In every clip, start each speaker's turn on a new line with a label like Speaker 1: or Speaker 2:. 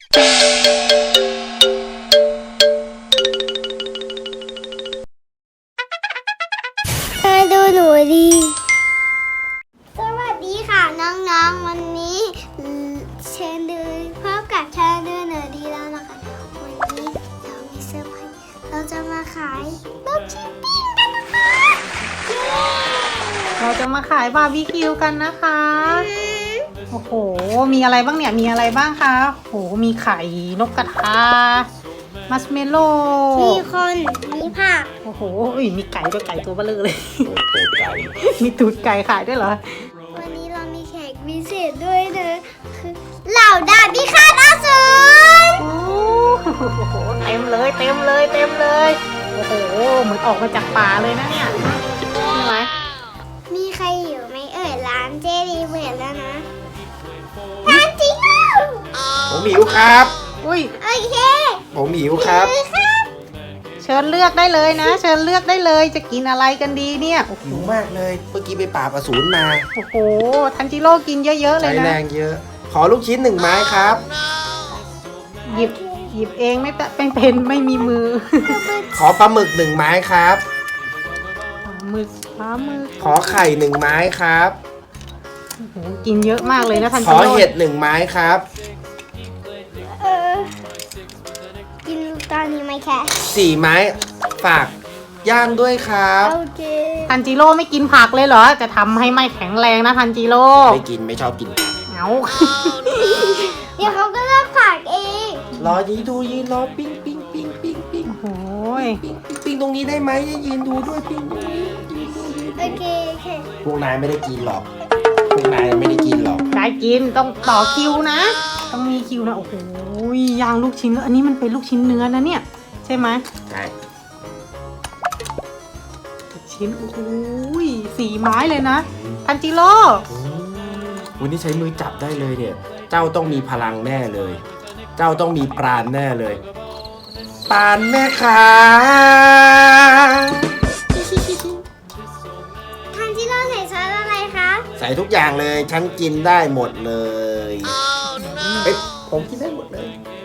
Speaker 1: มาดูหนูดีสวัสดีค่ะน้องๆวันนี้เชิญดูพบกับชาเดินหนูดีแล้วนะคะวันนี้เรามีเซอร์ไพรส์เราจะมาขายลูกชิ้นปิ้งกันนะคะ
Speaker 2: เราจะมาขายบาร์บีคิวกันนะคะโอ้โหมีอะไรบ้างเนี่ยมีอะไรบ้างคะโอ้โหมีไข่นกกระทามัสเมลโล่
Speaker 1: มีคนมีผัก
Speaker 2: โอ้โหมีไก่ด้วยไก่ตัวเบลอเลย
Speaker 3: ตูดไก่
Speaker 2: มีตูดไก่ขายด้วยเหรอ
Speaker 1: วันนี้เรามีแขกพิเศษด้วยนะคือเหล่าดาบพิฆาตอสูร
Speaker 2: โอ้โหเต็มเลยเต็มเลยเต็มเลยโอ้โหเหมือนออกมาจากป่าเลยนะเนี่ยใช่ไหม
Speaker 1: มีใครอยู่ไหมเอ่ยร้านเจดีเปิดแล้วนะร้านจริงเหรอ
Speaker 3: ผมหิวครับ
Speaker 2: อุ้ย
Speaker 1: โอเค
Speaker 3: ผมหิวครับ
Speaker 2: เชิญเลือกได้เลยนะ เชิญเลือกได้เลยจะกินอะไรกันดีเนี่ยโอ้โห
Speaker 3: หิวมากเลยเมื่อกี้ไปปราบอสูรมา
Speaker 2: โอ้โหทันจิโร่กินเยอะๆเล
Speaker 3: ใช้
Speaker 2: ย
Speaker 3: แร
Speaker 2: นะ
Speaker 3: งเยอะ ขอลูกชิ้น1 ไม้ครับ
Speaker 2: หยิบเองไม่เป็นไม่มีมือ
Speaker 3: ขอปลาหมึก1 ไม้ครับ
Speaker 2: ปลาหมึก
Speaker 3: ขอไข่1 ไม้ครับ
Speaker 2: โอ้โหกินเยอะมากเลยนะทัน
Speaker 3: ข
Speaker 2: จิ
Speaker 3: อ
Speaker 2: โร่
Speaker 3: เห็ด1 ไม้ครับ
Speaker 1: กินตอนนี้ไหมแค่
Speaker 3: 4 ไม้ฝากย่างด้วยครับ
Speaker 1: โอเค
Speaker 2: ทันจิโร่ไม่กินผักเลยเหรอจะทำให้ไม่แข็งแรงนะทันจิโร่
Speaker 3: ไม่กินไม่ชอบกิน
Speaker 2: เอา
Speaker 1: เดี๋ยวเขาก็เลิกผักเอง
Speaker 3: รอยืนดูยืนรอปิ้งปิ้งปิ้งปิ้งปิ้ง
Speaker 2: โอ้ย
Speaker 3: ปิ้งปิ้งตรงนี้ได้ไหมยืนดูด้วยปิ้งตรงนี้ยืนดูยืน
Speaker 1: โอเคโอเค
Speaker 3: พวกนายไม่ได้กินหรอกพวกนายไม่ได้กินหรอก
Speaker 2: ได้กินต้องต่อคิวนะ ต้องมีคิวนะโอ้โหย่างลูกชิ้นแล้วอันนี้มันเป็นลูกชิ้นเนื้อนะเนี่ยใช่ไหม
Speaker 3: ใช่
Speaker 2: ลูกชิ้นโอ้โห4 ไม้เลยนะทันจิโร่
Speaker 3: วันนี้ใช้มือจับได้เลยเนี่ย เจ้าต้องมีพลังแน่เลย เจ้าต้องมีปราณแน่เลย ปราณแม่ค้า
Speaker 1: ทันจิโร่ใส่ซอสอะไรคะ
Speaker 3: ใส่ทุกอย่างเลย ฉันกินได้หมดเลยเอ้ยผมกินได้หมดเลย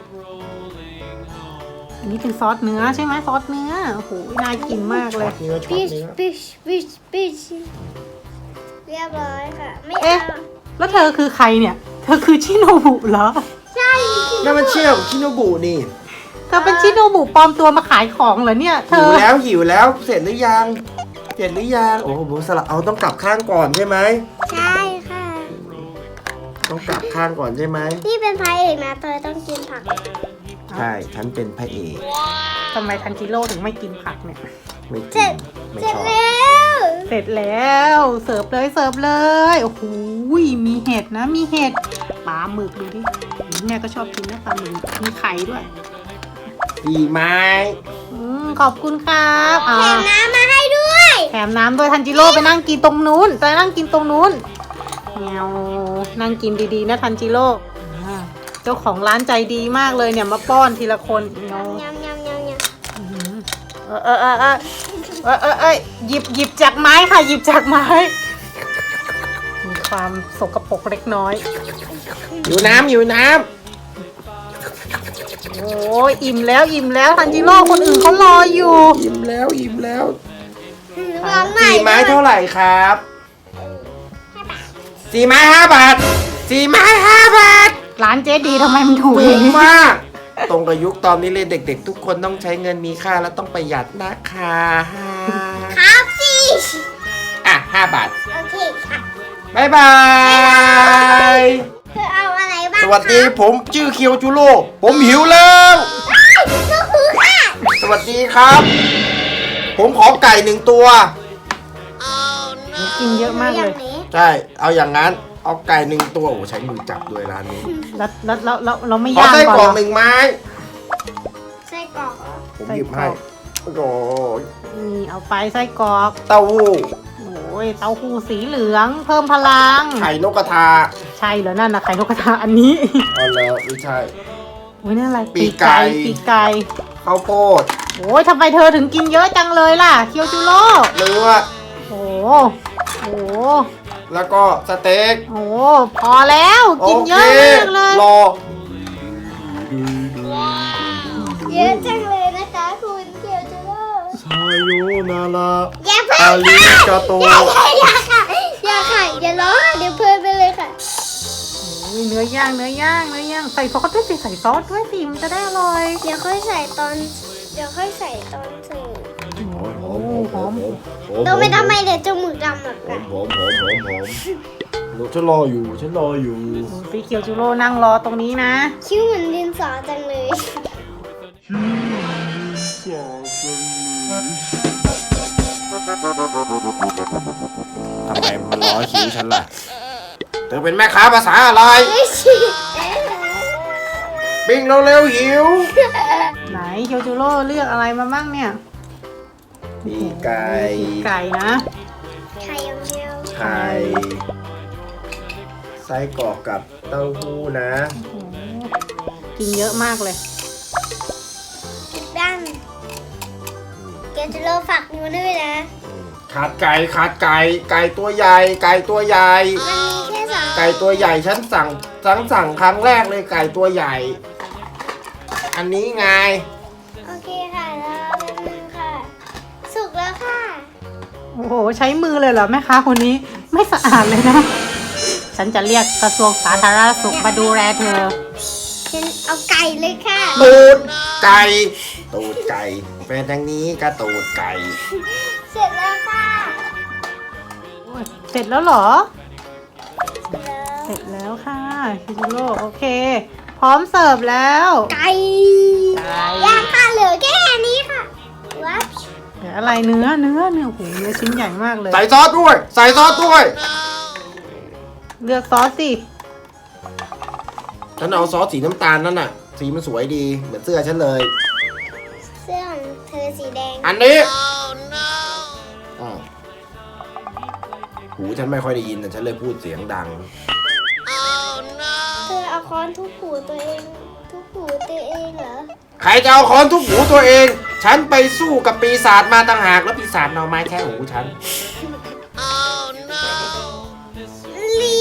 Speaker 2: อันนี้เป็นซอสเนื้อใช่ไหมซอสเนื้อโอ้โหน่ากินมากเลย
Speaker 3: เนื้อช็อ
Speaker 1: ปิ
Speaker 3: ต
Speaker 1: ช
Speaker 3: เนื้อ
Speaker 1: ปิชปิชปิชเรียบร้อยค่ะ ไม่
Speaker 2: เอ๊ะ
Speaker 1: เอา
Speaker 2: แล้วเธอคือใครเนี่ย เธอคือชิโนบุเหรอ
Speaker 1: ใช่
Speaker 3: นั่นมันเชี่ยวชิโนบุนี่
Speaker 2: เธอเป็นชิโนบุปลอมตัวมาขายของเหรอเนี่ยเธ
Speaker 3: หิว
Speaker 2: อ
Speaker 3: แล้วหิวแล้วเสร็จหรือยังเสร็จหรือยังโอ้โหสลับเอาต้องกลับข้างก่อนใช่ไหม
Speaker 1: ใช่ค่ะ
Speaker 3: ต้องกลับข้างก่อนใช่ไหม
Speaker 1: นี่เป็นพระเอกนะเธอต้องกินผัก
Speaker 3: ใช่ฉันเป็นพระเอก
Speaker 2: ทำไมทันจิโร่ถึงไม่กินผักเนี่ย
Speaker 3: ไม่
Speaker 1: เสร็
Speaker 3: กิน
Speaker 1: จ
Speaker 3: ไม่
Speaker 1: เสร็
Speaker 3: ช
Speaker 1: จ
Speaker 3: อบ
Speaker 1: แล้ว
Speaker 2: เสร็จแล้วเสิร์ฟเลยเสิร์ฟเลยโอ้โหมีเห็ดนะมีเห็ดปลาหมึกดูดิแม่ก็ชอบกินนะปลาหมึกมีไข่ด้วย
Speaker 3: 4 ไม้
Speaker 2: ขอบคุณครับ
Speaker 1: แถมน้ำมาให้ด้วย
Speaker 2: แถมน้ำด้วยทันจิโร่ไปนั่งกินตรงนู้นจะนั่งกินตรงนู้นแงวนั่งกินดีๆนะทันจิโร่เจ้าของร้านใจดีมากเลยเนี่ยมาป้อนทีละคนเงาย
Speaker 1: ำยำยำยำ
Speaker 2: หยิบจากไม้ค่ะหยิบจากไม้มีความสกปรกเล็กน้อย
Speaker 3: อยู่น้ำอยู่น้
Speaker 2: โอ้ยอิ่มแล้วทันจิโร่คนอื่นเขารออยู่
Speaker 3: ำอิ่มแล้วอิ่มแล้ว
Speaker 1: ลองใหม่
Speaker 3: 4 ไม้เท่าไหร่ครับ4 ไม้ 5 บาท4 ไม้ 5 บาท
Speaker 2: ร้านเจ๊ดีทำไมมันถูก
Speaker 3: ถู
Speaker 2: อย่าง
Speaker 3: ก
Speaker 2: นี้
Speaker 3: มาก ตรงกับยุคตอนนี้เลยเด็กๆ ทุกคนต้องใช้เงินมีค่าและต้องประหยัดนะคะ
Speaker 1: ครับสิ
Speaker 3: อ่ะ5 บาท
Speaker 1: โอเคค่ะ
Speaker 3: บ๊ายบาย
Speaker 1: เธอเอาอะไรบ้าง
Speaker 3: สวัสดีผมชื่อเคียวจูโร่ผมหิวแล้ว
Speaker 1: ก็คือค่ะ
Speaker 3: สวัสดีครับ ผมขอไก่1 ตัว
Speaker 2: กินเยอะมาก
Speaker 1: อ
Speaker 2: เล
Speaker 1: ย่าย งนี้
Speaker 3: ใช่ เอาอย่างนั้น เอาไก่1 ตัว โอ้ใช้มือจับด้วยร้านนี้
Speaker 2: แล้วเราไม่
Speaker 3: ขอย่าง ไส้
Speaker 2: ก่
Speaker 3: กร
Speaker 2: อ
Speaker 3: อน ก
Speaker 2: เหรอ
Speaker 3: 1 ไม้
Speaker 1: ไส้กรอกเหรอ
Speaker 3: ผมหยิบให้ โอ้โห
Speaker 2: นี่เอาไปไส้กรอก
Speaker 3: เต้าหู้
Speaker 2: โอ้ยเต้าหู้สีเหลืองเพิ่มพลัง
Speaker 3: ไข่นกกระทา
Speaker 2: ใช่เหรอนั่นนะไข่นกกระทาอันนี้
Speaker 3: อ๋อแล้วไม่ใช่
Speaker 2: โอ้ยนั่นอะไร
Speaker 3: ปีกไก่
Speaker 2: ปีกไก่
Speaker 3: ข้าวโพด
Speaker 2: โอ้ยทำไมเธอถึงกินเยอะจังเลยล่ะเคียวจูโร่
Speaker 3: เนื้อ
Speaker 2: โอ้โห
Speaker 3: แล้วก็สเต็ก
Speaker 2: โอ้พอแล้วกินเยอะมากเลย
Speaker 3: รอ
Speaker 1: จังเลยนะคะคุณเกียวจูโร่
Speaker 3: ซาโยนารา
Speaker 1: อย่าเพิ่ง
Speaker 3: อาริ
Speaker 1: ค่ะ
Speaker 3: กาโต
Speaker 1: อย่าค่ะอย่าค่ะอย่าร้องเดี๋ยวเพลินไปเลยค่ะ
Speaker 2: อุ้ยเนื้อย่างใส่ซอสด้วยสิใส่ซอสด้วยสิมันจะได้อร่อย
Speaker 1: เดี๋ยวค่อยใส่ตอนเสิร์ฟ
Speaker 2: หอม
Speaker 1: เราไม่ทำไมเดี๋ยวจมูกดำหรอกค่ะ
Speaker 3: หอมฉันรออยู่
Speaker 2: ดูสิเคียวจูโร่นั่งรอตรงนี้นะ
Speaker 1: คิ้วเหมือนดินสอจังเลย
Speaker 3: ทำไมมันล้อคิ้วฉันล่ะ เธอเป็นแม่ค้าภาษาอะไร
Speaker 1: ไม่ใช่
Speaker 3: ปิ้งเร็วๆหิว
Speaker 2: ไหนเคียวจูโร่เลือกอะไรมาบ้างเนี่ย
Speaker 3: ปีกไก่
Speaker 2: ไก่นะ
Speaker 1: ไข่อย่างเดียว
Speaker 3: ไข่ไส้กรอกกับเต้าหู้นะ
Speaker 2: โอ้โหกินเยอะมากเลย
Speaker 1: ด้านเกียวจูโร่ฝากนิ้วด้วยนะ
Speaker 3: ขาดไก่ตัวใหญ่ ไก่ตัวใหญ่
Speaker 1: มันมีแค่สอง
Speaker 3: ไก่ตัวใหญ่ฉันสั่งครั้งแรกเลยไก่ตัวใหญ่ อันนี้ไง
Speaker 1: โอเคค่ะแล้วเป็นมือค่ะ สุกแล้วค่ะ
Speaker 2: โอ้โหใช้มือเลยเหรอแม่ค้าคนนี้ไม่สะอาดเลยนะ ฉันจะเรียกกระทรวงสาธารณสุขมาดูแลเธอ
Speaker 1: ฉันเอาไก่เลยค่ะ
Speaker 3: ตูดไก่เป็นอย่างนี้ก็ตูดไก่
Speaker 1: เสร็จแล้วค่ะ
Speaker 2: เสร็จแล้วเหรอ
Speaker 1: เสร็จแล้ว
Speaker 2: เสร็จแล้วค่ะคิจูโร่โอเค พร้อมเสิร์ฟแล้ว
Speaker 1: ไก่ย่างค่ะเหลือแค่นี้ค่ะวับ
Speaker 2: เดี๋ยวอะไรเนื้อโอ้โหเนื้อชิ้นใหญ่มากเลย
Speaker 3: ใส่ซอสด้วย
Speaker 2: เลือกซอสสิ
Speaker 3: ฉันเอาซอสสีน้ำตาลนั่นน่ะ สีมันสวยดี เหมือนเสื้อฉันเลย
Speaker 1: เสื้อของเธอสีแดง
Speaker 3: อันนี้อ้าวหูฉันไม่ค่อยได้ยินแต่ฉันเลยพูดเสียงดัง
Speaker 1: เธอเอาค้อนทุบหูตัวเองเหรอ
Speaker 3: ใครจะเอาค้อนทุบหูตัวเอง ฉันไปสู้กับปีศาจมาต่างหากแล้วปีศาจเอาไม้แค่หูฉัน
Speaker 1: เลี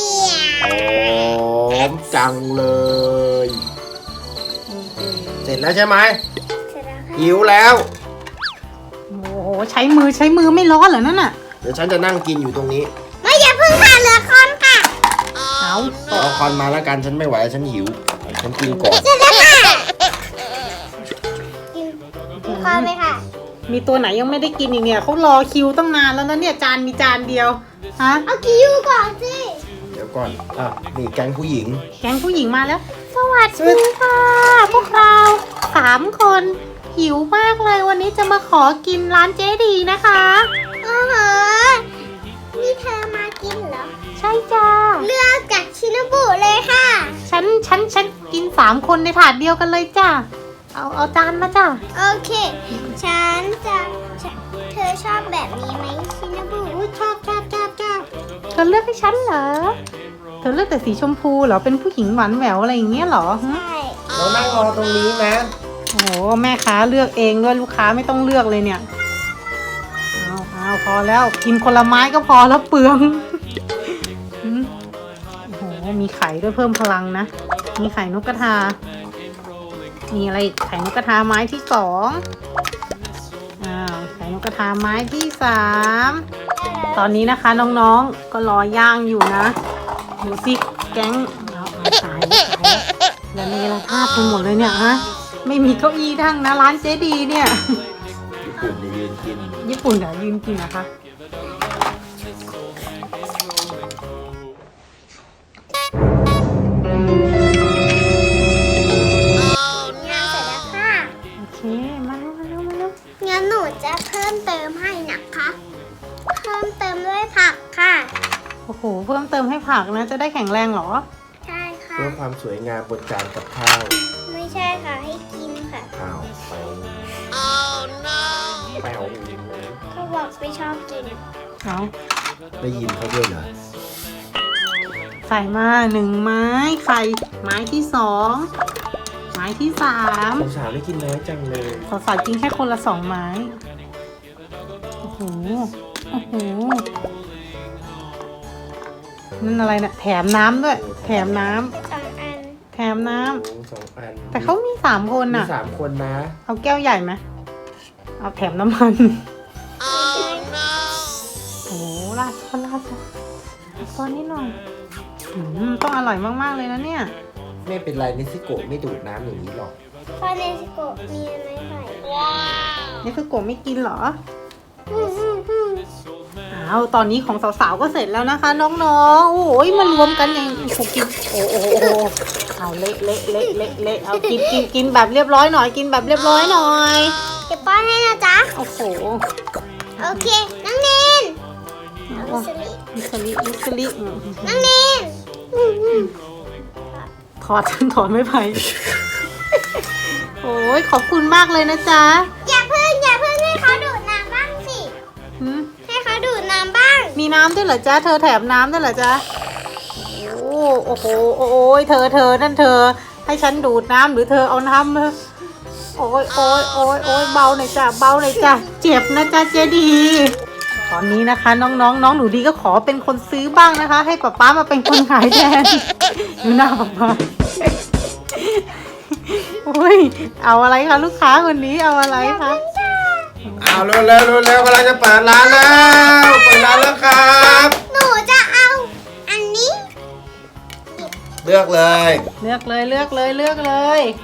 Speaker 1: ย
Speaker 3: หอมจังเลย เสร็จแล้วใช่ไหม
Speaker 1: เสร็จแล้วค่ะ
Speaker 3: หิวแล้ว
Speaker 2: โอ้โหใช้มือไม่ร้อนเหรอนั่นน่ะ
Speaker 3: เดี๋ยวฉันจะนั่งกินอยู่ตรงนี้
Speaker 1: ไม่อย่าเพิ่งค่ะเหลือค้อนค่ะ
Speaker 2: เอา
Speaker 3: เอาคอนมาแล้วกันฉันไม่ไหวฉันหิว ฉันกินก่อน
Speaker 1: เสร็จแล้วค่ะกินค้อนไหมค่ะ
Speaker 2: มีตัวไหนยังไม่ได้กินอีกเนี่ยเขารอคิวตั้งนานแล้วนะเนี่ยมีจานเดียวฮะ
Speaker 1: เอาคิวก่อนสิ
Speaker 3: เดี๋ยวก่อนนี่แก๊งผู้หญิง
Speaker 2: แก๊งผู้หญิงมาแล้ว สวัสดีค่ะ พวกเรา3 คนหิวมากเลยวันนี้จะมาขอกินร้านเจ๊ดีนะคะ
Speaker 1: อ๋อเหรอนี่เธอมากินเหรอ
Speaker 2: ใช่จ้า
Speaker 1: เลือกจากชินบุเลยค่ะ
Speaker 2: ฉันกิน3 คนในถาดเดียวกันเลยจ้าเอาจานมาจ้า
Speaker 1: โอเค เธอชอบแบบนี้ไหมชินบุ
Speaker 2: ชอบเธอเลือกให้ฉันเหรอเธอเลือกแต่สีชมพูเหรอเป็นผู้หญิงหวานแหววอะไรอย่างเงี้ยเหรอฮะ
Speaker 1: ใช่
Speaker 3: เรานั่งรอตรงนี้นะ
Speaker 2: โอ้โหแม่ค้าเลือกเองด้วยลูกค้าไม่ต้องเลือกเลยเนี่ยเอาพอแล้วกินคนละไม้ก็พอแล้วเปลืองอืมโอ้โหมีไข่ด้วยเพิ่มพลังนะมีไข่นกกระทามีอะไรอีกไข่นกกระทาไม้ที่2ไข่นกกระทาไม้ที่3ตอนนี้นะคะน้องๆก็รอย่างอยู่นะดูสิแก๊งเอาตายแล้วนี่ละภาพไปหมดเลยเนี่ยฮะไม่มีเก้าอี้ทั้งนะร้านเจ๊ดีเนี่ย
Speaker 3: ญี่ปุ่นเนี่ยยืนกิน
Speaker 2: ญี่ปุ่นเดี๋ยวยืนกินนะคะ
Speaker 1: งานเสร็จแล้วค่ะ
Speaker 2: โอเคมาแล้ว
Speaker 1: งั้นหนูจะเพิ่มเติมให้นะคะ เพิ่มเติมด้วยผักค่ะ
Speaker 2: โอ้โหเพิ่มเติมให้ผักนะจะได้แข็งแรงเหรอ
Speaker 1: ใช่ค่ะ
Speaker 3: เพื่อความสวยงามบนจานกับข้าว
Speaker 1: ไม่ใช่ค่ะ ให้กินค่ะ
Speaker 3: ข้าวไปไปเอา
Speaker 1: เขาบอกไม่ชอบกิน
Speaker 2: เอา
Speaker 3: ได้ยินเขาด้วยเหรอ
Speaker 2: ใส่มา1 ไม้ไข่ไม้ที่2ไม้ที่3
Speaker 3: สาวได้กินน้อยจังเลย
Speaker 2: ขอใส่กินแค่คนละ2 ไม้โอ้โหนั่นอะไรนะแถมน้ำด้วยแถมน้ำ
Speaker 1: 2 อัน
Speaker 2: แถมน้
Speaker 3: 2 อัน
Speaker 2: ำแต่เขามี3 คน
Speaker 3: มี
Speaker 2: น่ะ
Speaker 3: 3 คนนะ
Speaker 2: เอาแก้วใหญ่ไหมเอาแถมน้ำมันโอ้ราดซอสนิดหน่อยต้องอร่อยมากๆเลยนะเนี่ย
Speaker 3: ไม่เป็นไรนิซิโกะไม่ดูดน้ำอย่างนี้หรอก
Speaker 1: พ่อเนสโกะมีอะไรใส่
Speaker 2: นี่คือโกะไม่กินเหรออ้าวตอนนี้ของสาวๆก็เสร็จแล้วนะคะ น้องๆโอ้ยมารวมกันอย่างถูกกินโอ้เอาเละเอากินแบบเรียบร้อยหน่อยกินแบบเรียบร้อยหน่อย
Speaker 1: เดี๋ยวป้อนให้นะจ๊ะ
Speaker 2: โอ้โห
Speaker 1: โอเค น้องเนนเอามิสลิ
Speaker 2: ลิสลิ
Speaker 1: น้องเนน
Speaker 2: ถอดไม่ไปโอ้ยขอบคุณมากเลยนะจ๊ะ
Speaker 1: อย่าเพิ่งให้เขาดูดน้ำบ้างสิ
Speaker 2: หืม
Speaker 1: ให้เขาดูดน้ำบ้าง
Speaker 2: มีน้ำด้วยเหรอจ๊ะเธอแถมน้ำด้วยเหรอจ๊ะโอ้โหโอ้ยเธอนั่นเธอให้ฉันดูดน้ำหรือเธอเอาน้ำมาโอ้ยเบาหน่อยจ้ะเจ็บนะจ๊ะเจดีตอนนี้นะคะน้องหนูดีก็ขอเป็นคนซื้อบ้างนะคะ ให้ป๊ามาเป็นคนขายแทนดูหน้าป๊าโอ้ยเอาอะไรคะลูกค้าคนนี้เอาอะไรคะ
Speaker 3: เอาเร็วกำลังจะเปิดร้านแล้วครับ
Speaker 1: หนูจะเอาอันนี้
Speaker 3: เลือกเลย
Speaker 2: เลือกเลย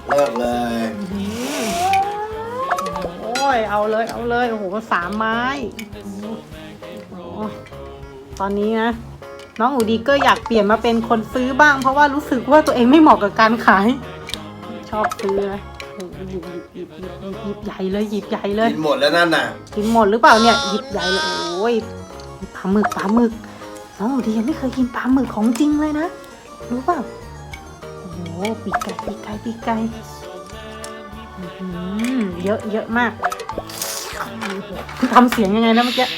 Speaker 2: โอ้ยเอาเลยโอ้โห3 ไม้โอ้โหตอนนี้นะน้องอูดีก็อยากเปลี่ยนมาเป็นคนซื้อบ้าง เพราะว่ารู้สึกว่าตัวเองไม่เหมาะกับการขาย ชอบซื้อนะโอ้โหหยิบใหญ่เลย
Speaker 3: กินหมดแล้วนั่นน่ะ
Speaker 2: กินหมดหรือเปล่าเนี่ยหยิบใหญ่เลยโอ้ยปลาหมึกน้องอูดียังไม่เคยกินปลาหมึกของจริงเลยนะรู้เปล่าโอ้โหปีกไก่เยอะมากทำเสียงยังไงนะเมื่อกี้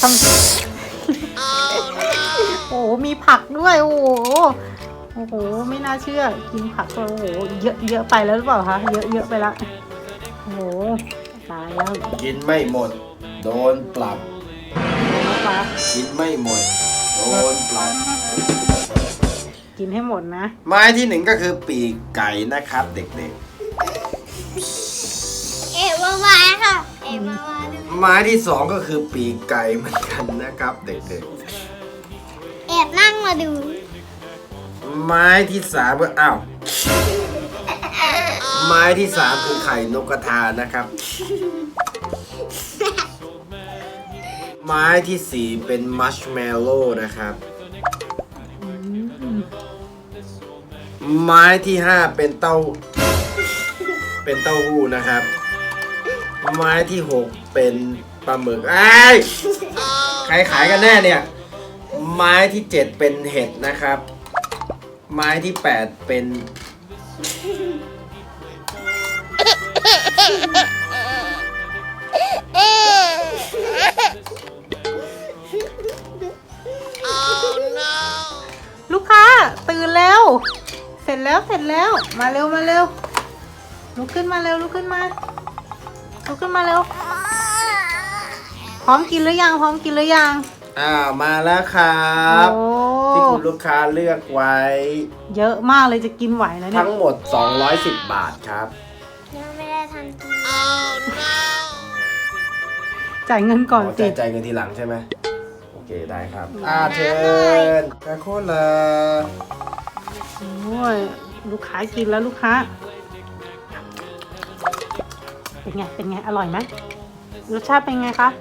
Speaker 2: โอ้โหมีผักด้วยโอ้โหไม่น่าเชื่อกินผักก็โอ้โหเยอะไปแล้วหรือเปล่าคะเยอะไปละโอ้โหตายแล้ว
Speaker 3: กินไม่หมดโดนปรับ กินไม่หมดโดนปรับ
Speaker 2: กินให้หมดนะ
Speaker 3: ไม้ที่ 1ก็คือปีกไก่นะครับเด็ก
Speaker 1: เอ๋วาวาค่ะเอ๋วาวาดู
Speaker 3: ๆไม้ที่ 2ก็คือปีกไก่เหมือนกันนะครับเด็ก
Speaker 1: แอบนั่งมาดู
Speaker 3: ๆไม้ที่3ก็อ้าวไม้ที่3คือไข่นกกระทานะครับ ไม้ที่4เป็นมัชเมลโล่นะครับ ไม้ที่5เป็นเต้าหู้นะครับ ไม้ที่6เป็นปลาหมึกใครขายกันแน่เนี่ย ไม้ที่7เป็นเห็ดนะครับ ไม้ที่8เป็น
Speaker 2: ลูกค้าตื่นแล้ว เสร็จแล้วมาเร็วลุกขึ้นมาเร็วพร้อมกินหรือยัง
Speaker 3: มาแล้วครับ
Speaker 2: โอ้
Speaker 3: ที่คุณลูกค้าเลือกไว้
Speaker 2: เยอะมากเลยจะกินไหวแล้วเนี่ย
Speaker 3: ทั้งหมด210 บาทครับ
Speaker 1: ยังไม่ได้ทันกิน
Speaker 2: จ่ายเงินก่อนสิ
Speaker 3: จ่ายเงินทีหลังใช่ไหมโอเคได้ครับเชิญกาโคลา
Speaker 2: โอ้ยลูกค้ากินแล้วลูกค้าเป็นไงอร่อยไหมรสชาติเป็นไงคะ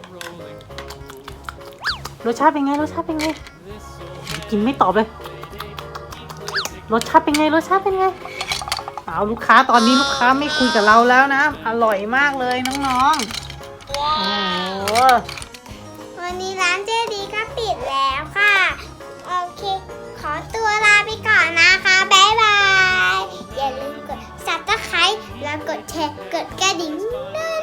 Speaker 2: รสชาติเป็นไงกินไม่ตอบเลยรสชาติเป็นไงเอาลูกค้าตอนนี้ลูกค้าไม่คุยกับเราแล้วนะอร่อยมากเลยน้องๆโอ้โห
Speaker 1: วันนี้ร้านเจดีก็ปิดแล้วค่ะ โอเค ขอตัวลาไปก่อนนะคะบ๊ายบาย อย่าลืมกด Subscribe แล้วกดแชร์ กดกระดิ่งด้วย